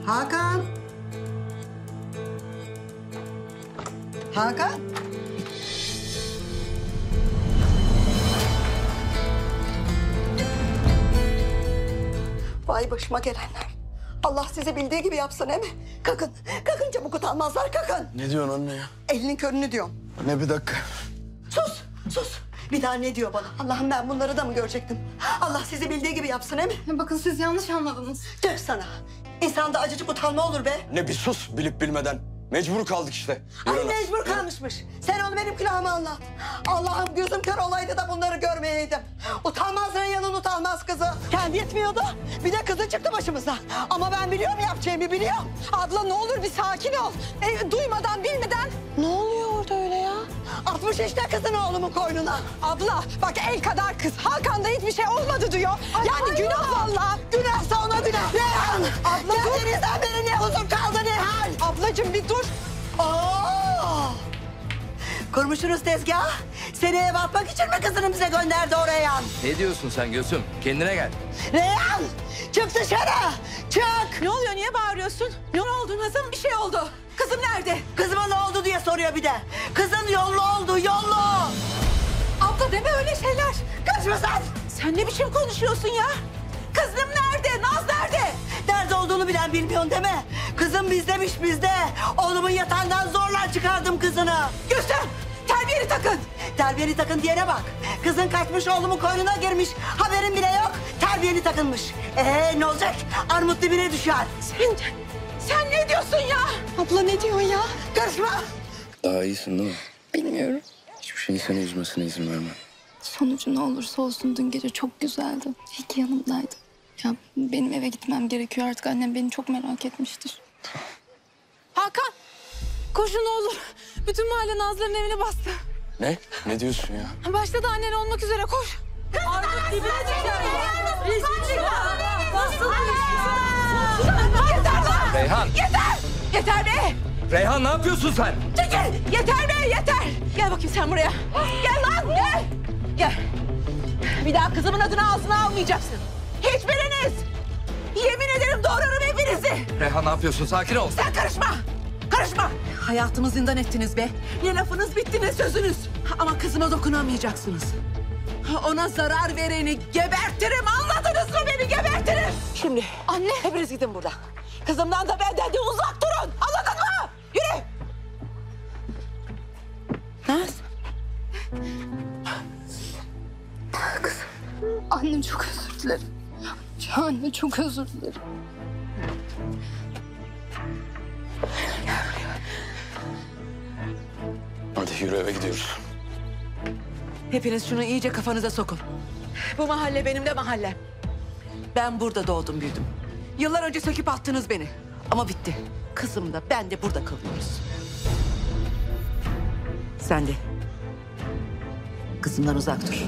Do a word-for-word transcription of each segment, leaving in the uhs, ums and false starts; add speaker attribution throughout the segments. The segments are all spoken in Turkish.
Speaker 1: Hakan. Hakan. Vay başıma gelenler. Allah size bildiği gibi yapsın he mi? Kalkın, kalkın çabuk utanmazlar, kalkın.
Speaker 2: Ne diyorsun anne ya?
Speaker 1: Elinin körünü diyorum.
Speaker 2: Ne bir dakika.
Speaker 1: Sus, sus. Bir daha ne diyor bana? Allah'ım ben bunları da mı görecektim? Allah sizi bildiği gibi yapsın he mi?
Speaker 3: Bakın siz yanlış anladınız.
Speaker 1: Tüh sana. İnsanda acıcık utanma olur be.
Speaker 2: Ne bir sus bilip bilmeden. Mecbur kaldık işte. Yürü
Speaker 1: Ay
Speaker 2: lan.
Speaker 1: mecbur kalmışmış. Sen onu benim külahıma anlat. Allah'ım gözüm kör olaydı da bunları görmeyeydim. Utanmaz Reyhan'ın utanmaz kızı. Kendi yetmiyordu. Bir de kızı çıktı başımıza. Ama ben biliyorum yapacağımı biliyorum.
Speaker 4: Abla ne olur bir sakin ol. E, duymadan bilmeden.
Speaker 1: Ne oluyor orada öyle ya? Atmış işte kızını oğlumun koynuna.
Speaker 4: Abla bak el kadar kız. Hakan'da hiçbir şey olmadı diyor.
Speaker 1: Ay,
Speaker 4: yani
Speaker 1: ay,
Speaker 4: günah
Speaker 1: ay.
Speaker 4: vallahi.
Speaker 1: Günahsa ona günah. Reyhan!
Speaker 4: Abla dur.
Speaker 1: Geldiğinizden beri ne huzur kaldı ne hal?
Speaker 4: Ablacığım bir dur.
Speaker 1: Oo! Kurmuşsunuz tezgah. Seni eve atmak için mi kızını bize gönderdi o Reyhan?
Speaker 5: Ne diyorsun sen Gülsüm? Kendine gel.
Speaker 1: Reyhan! Çık dışarı! Çık!
Speaker 4: Ne oluyor niye bağırıyorsun? Ne oldu Nazım bir şey oldu. Kızım nerede?
Speaker 1: Kızıma ne oldu diye soruyor bir de. Kızın yollu oldu, yollu!
Speaker 4: Abla deme öyle şeyler.
Speaker 1: Kaçma sen!
Speaker 4: Sen ne biçim konuşuyorsun ya? Kızım nerede? Naz nerede?
Speaker 1: Nerede olduğunu bilen bilmiyorsun değil mi? Kızım bizdemiş bizde. Oğlumun yatağından zorla çıkardım kızını.
Speaker 4: Gülsüm terbiyeni takın.
Speaker 1: Terbiyeni takın diyene bak. Kızın kaçmış oğlumun koynuna girmiş. Haberin bile yok. Terbiyeni takınmış. Ee ne olacak? Armut dibine düşer.
Speaker 4: Sen, sen ne diyorsun ya? Abla ne diyorsun ya?
Speaker 1: Karışma.
Speaker 2: Daha iyisin değil mi?
Speaker 3: Bilmiyorum.
Speaker 2: Hiçbir şeyin seni üzmesine izin verme.
Speaker 3: Sonucu ne olursa olsun dün gece çok güzeldi. İyi ki yanımdaydın. Ya benim eve gitmem gerekiyor artık. Annem beni çok merak etmiştir.
Speaker 4: Hakan koşun ne olur. Bütün mahalle Nazlı'nın evini bastı.
Speaker 2: Ne? Ne diyorsun ya?
Speaker 4: Başta da annen olmak üzere koş. Armut dibine düşer. Rezil çıkar. Nasıl Yeter lan.
Speaker 5: Reyhan!
Speaker 4: Yeter. Yeter be.
Speaker 5: Reyhan ne yapıyorsun sen?
Speaker 4: Çekil. Yeter be yeter. Gel bakayım sen buraya. Gel lan gel. Gel. Bir daha kızımın adını ağzına almayacaksın. Hiçbiriniz. Yemin ederim doğrarım hepinizi.
Speaker 5: Reyhan ne yapıyorsun? Sakin ol.
Speaker 4: Sen karışma. Karışma. Hayatımı zindan ettiniz be. Ne lafınız bitti ne sözünüz. Ama kızıma dokunamayacaksınız. Ona zarar vereni gebertirim. Anladınız mı beni gebertirim. Şimdi anne hepiniz gidin buradan. Kızımdan da benden de uzak durun. Anladın mı? Yürü. Naz.
Speaker 3: Annem çok özür dilerim. Ya anne çok özür dilerim.
Speaker 2: Hadi yürü eve gidiyoruz.
Speaker 4: Hepiniz şunu iyice kafanıza sokun. Bu mahalle benim de mahallem. Ben burada doğdum büyüdüm. Yıllar önce söküp attınız beni. Ama bitti. Kızım da ben de burada kalıyoruz. Sen de. Kızımdan uzak dur.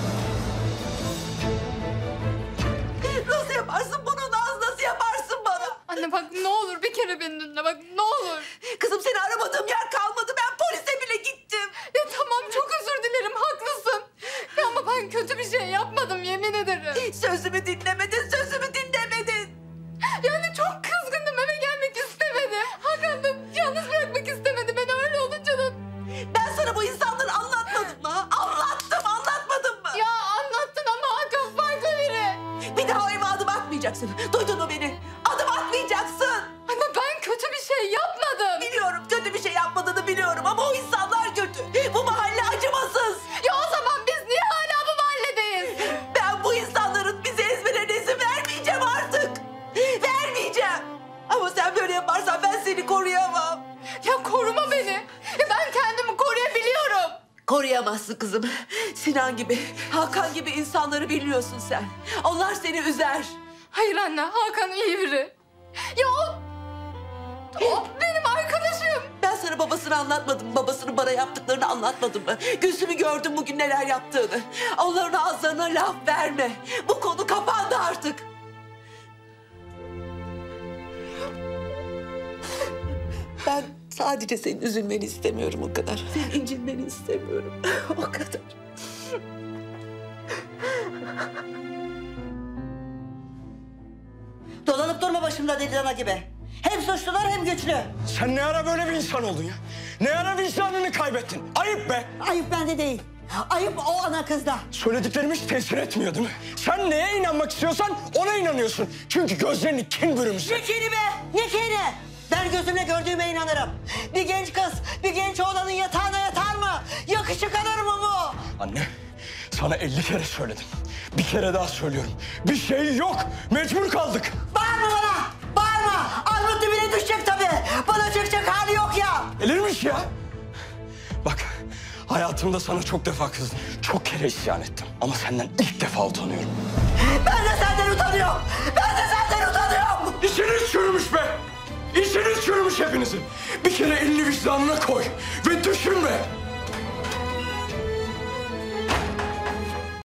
Speaker 4: Nasıl yaparsın bunu Naz? Nasıl yaparsın bana?
Speaker 3: Anne bak ne olur bir kere beni dinle bak ne olur.
Speaker 4: Kızım seni aramadığım yer kalmadı. Ben polise bile gittim.
Speaker 3: Ya tamam çok özür dilerim haklısın. Ya ama ben kötü bir şey yapmadım yemin ederim.
Speaker 4: Sözümü dinlemedin, sözümü dinlemedin.
Speaker 3: Yani çok kızgındım eve gelmek istemedim. Hakan da yalnız bırakmak istemedi beni öyle olunca da.
Speaker 4: Ben sana bu insanları anlatmadım mı? Anlattım, anlatmadım mı?
Speaker 3: Ya anlattın ama Hakan farklı biri.
Speaker 4: Bir daha o eve adım atmayacaksın. Duydun mu beni? Adım atmayacaksın.
Speaker 3: Ama ben kötü bir şey yapmadım.
Speaker 4: Biliyorum kötü bir şey yapmadığını biliyorum ama o insanlar kötü. Bu mahalle acımasız.
Speaker 3: Ya o zaman biz niye hala bu mahalledeyiz?
Speaker 4: Ben bu insanların bizi ezmelerine izin vermeyeceğim artık. Vermeyeceğim. Ama sen böyle yaparsan ben seni koruyamam.
Speaker 3: Ya koruma beni. Ya ben kendimi koruyabiliyorum.
Speaker 4: Koruyamazsın kızım. Sinan gibi, Hakan gibi insanları biliyorsun sen. Onlar seni üzer.
Speaker 3: Hayır anne Hakan iyi biri. Ya o... O benim arkadaşım.
Speaker 4: Ben sana babasını anlatmadım mı? Babasının bana yaptıklarını anlatmadım mı? Gülsüm'ü gördüm bugün neler yaptığını. Onların ağızlarına laf verme. Bu konu kapandı artık. Ben sadece senin üzülmeni istemiyorum o kadar. Senin incinmeni istemiyorum. O kadar.
Speaker 1: Dolanıp durma başımda deli dana gibi. Hem suçlular hem güçlü.
Speaker 6: Sen ne ara böyle bir insan oldun ya? Ne ara vicdanını kaybettin? Ayıp be!
Speaker 1: Ayıp bende değil. Ayıp o ana kızda.
Speaker 6: Söylediklerim hiç tesir etmiyor değil mi? Sen neye inanmak istiyorsan ona inanıyorsun. Çünkü gözlerini kin bürümüş.
Speaker 1: Ne kini be? Ne kini? Ben gözümle gördüğüme inanırım. Bir genç kız, bir genç oğlanın yatağına yatar mı? Yakışık alır mı bu?
Speaker 6: Anne, sana elli kere söyledim. Bir kere daha söylüyorum. Bir şey yok. Mecbur kaldık.
Speaker 1: Bağırma bana! Bağırma! Armut dibine düşecek tabii. Bana çıkacak hali yok ya.
Speaker 6: Gelirmiş ya. Bak, hayatımda sana çok defa kızdım. Çok kere isyan ettim. Ama senden ilk defa utanıyorum.
Speaker 1: Ben de senden utanıyorum. Ben de senden utanıyorum.
Speaker 6: İçiniz çürümüş be. İçiniz çürümüş hepinizin. Bir kere elini vicdanına koy ve düşün be.